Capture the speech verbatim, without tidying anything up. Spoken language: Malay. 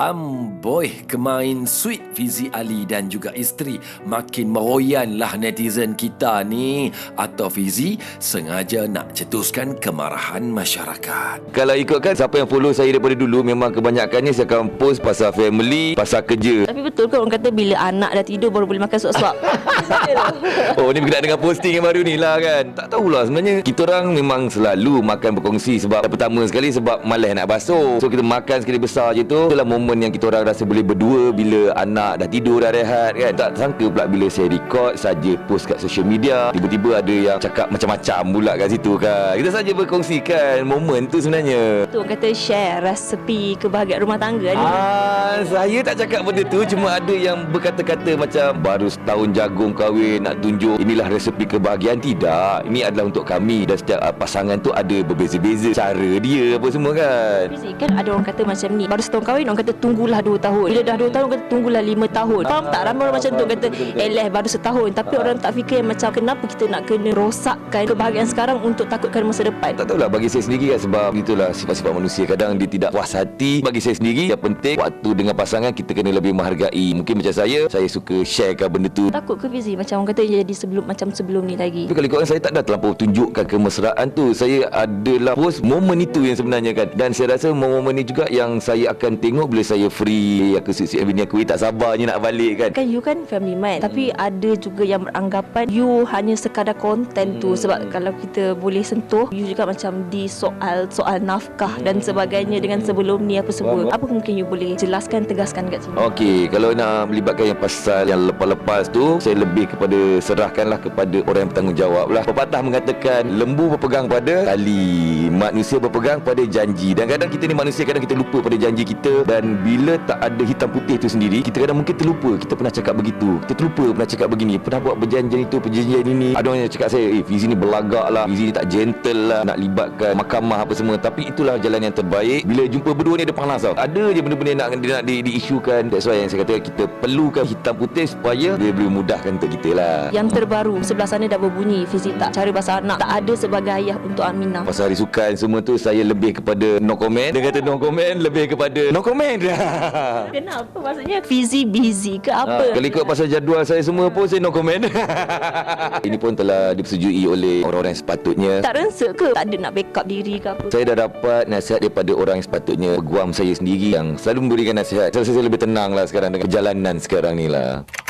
Amboi, kemain sweet Fizi Ali dan juga isteri. Makin meroyanlah netizen kita ni. Atau Fizi sengaja nak cetuskan kemarahan masyarakat? Kalau ikutkan siapa yang follow saya daripada dulu, memang kebanyakannya saya akan post pasal family, pasal kerja. Tapi betul ke orang kata bila anak dah tidur baru boleh makan suap-suap? Oh, ni berkenaan dengan posting yang baru ni lah kan. Tak tahulah, sebenarnya kita orang memang selalu makan berkongsi. Sebab pertama sekali sebab malas nak basuh, so kita makan sekali besar je tu. Itulah momen yang kita orang rasa boleh berdua bila anak dah tidur, dah rehat kan. Tak sangka pula bila saya record saja post kat social media, tiba-tiba ada yang cakap macam-macam pula kat situ kan. Kita saja berkongsikan momen tu sebenarnya. Tu orang kata share resepi kebahagiaan rumah tangga ni. Ah, saya tak cakap benda tu. Cuma ada yang berkata-kata macam baru setahun jagung kahwin nak tunjuk inilah resepi kebahagiaan. Tidak, ini adalah untuk kami. Dan setiap uh, pasangan tu ada berbeza-beza cara dia apa semua kan. Fizi, kan ada orang kata macam ni, baru setahun kahwin orang kata tunggulah dua tahun. Bila dah dua tahun orang kata tunggulah lima tahun. Faham tak? Ramai orang macam tu kata eleh baru setahun. Tapi orang tak fikir macam kenapa kita nak kena rosakkan kebahagiaan sekarang untuk takutkan masa depan. Tak tahulah, bagi saya sendiri kan, sebab itulah sifat-sifat manusia. Kadang dia tidak puas hati. Bagi saya sendiri yang penting waktu dengan pasangan kita kena lebih menghargai. Mungkin macam saya, saya suka sharekan benda tu. Takut ke Fizi macam orang kata jadi sebelum macam sebelum ni lagi? Tapi kalau ikutkan saya tak dah terlampau tunjukkan kemesraan tu. Saya adalah post momen itu yang sebenarnya kan. Dan saya rasa momen ni juga yang saya akan tengok bila saya free. Aku siap-siap bini aku, tak sabarnya nak balik kan. Kan you kan family man, tapi ada juga yang beranggapan you hanya sekadar konten tu. Sebab kalau kita boleh sentuh, you juga macam di soal soal nafkah dan sebagainya dengan sebelum ni apa semua. Apa mungkin you boleh jelaskan, tegaskan kat sini? Okey, kalau nak melibatkan yang pasal yang lepas-lepas tu, saya lebih kepada serahkanlah kepada orang yang bertanggungjawab lah. Pepatah mengatakan lembu berpegang pada tali, manusia berpegang pada janji. Dan kadang kita ni manusia, kadang kita lupa pada janji kita. Dan bila tak ada hitam putih tu sendiri, kita kadang mungkin terlupa kita pernah cakap begitu, kita terlupa pernah cakap begini, pernah buat perjanjian itu, perjanjian ini. Ada orang yang cakap saya, eh Fizi ni berlagak lah, Fizi ni tak gentle lah, nak libatkan mahkamah apa semua. Tapi itulah jalan yang terbaik. Bila jumpa berdua ni ada panas tau, ada je benda-benda nak, dia nak di, diisukan. That's why yang saya kata kita perlukan hitam putih supaya dia boleh mudahkan untuk kita lah. Yang terbaru sebelah sana dah berbunyi, Fizi tak cara bahasa anak, tak ada sebagai ayah untuk Aminah. Pasal hari sukan semua tu saya lebih kepada no comment. Dia kata no comment, lebih kepada no comment. Kenapa? Maksudnya Fizi busy ke apa? Ha, kalau ikut pasal jadual saya semua pun saya no comment. Ini pun telah disetujui oleh orang-orang yang sepatutnya. Tak rensek ke? Tak ada nak backup diri ke apa? Saya dah dapat nasihat daripada orang yang sepatutnya. Peguam saya sendiri yang selalu memberikan nasihat. Saya rasa saya lebih tenang lah sekarang dengan perjalanan sekarang ni lah.